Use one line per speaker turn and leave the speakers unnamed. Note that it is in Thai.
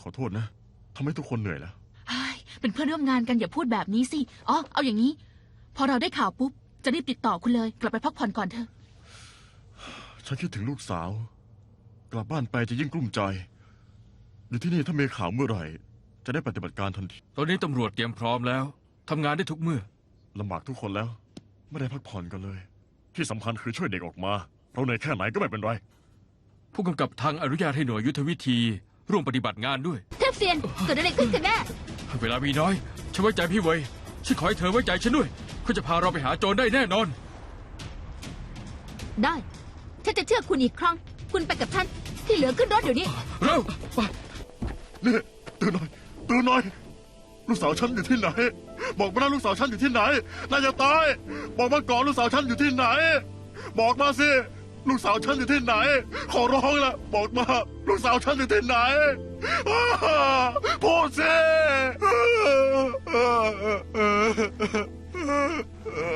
ขอโทษนะทำให้ทุกคนเหนื่อยแล้ว
เป็นเพื่อนร่วมงานกันอย่าพูดแบบนี้สิอ๋อเอาอย่างนี้ พอเราได้ข่าวปุ๊บจะรีบติดต่อคุณเลยกลับไปพักผ่อนก่อนเถอะ
ฉันคิดถึงลูกสาว กลับบ้านไปจะยิ่งกลุ้มใจ อยู่ที่นี่ถ้ามีข่าวเมื่อไหร่ จะได้ปฏิบัติการทันที
ตอนนี้ตำรวจเตรียมพร้อมแล้วทำงานได้ทุกเมื่อ
ลำบากทุกคนแล้ว ไม่ได้พักผ่อนกันเลย ที่สำคัญคือช่วยเด็กออกมา เราเหนื่อยแค่ไหนก็ไม่เป็นไร
ผู้กำกับทางอนุญาตให้หน่วยยุทธวิธีร่วมปฏิบัติงานด้วย
เทพเซียนเกิดอะไรขึ้นกันแน่
เวลามีน้อยฉันไว้ใจพี่เวยฉันขอให้เธอไว้ใจฉันด้วยเขาจะพาเราไปหาโจรได้แน่นอน
ได้ฉันจะเชื่อคุณอีกครั้ง คุณไปกับฉันที่เหลือขึ้นรถเดี๋ยวนี้
เร็วไป
นี่ตื่นหน่อยตื่นหน่อย ลูกสาวฉันอยู่ที่ไหน บอกมานะลูกสาวฉันอยู่ที่ไหนน่าจะตาย บอกมาก่อนลูกสาวฉันอยู่ที่ไหน บอกมาสิลูกสาวฉันอยู่ที่ไหน ขอร้องละบอกมาลูกสาวฉันอยู่ที่ไหนพูดสิ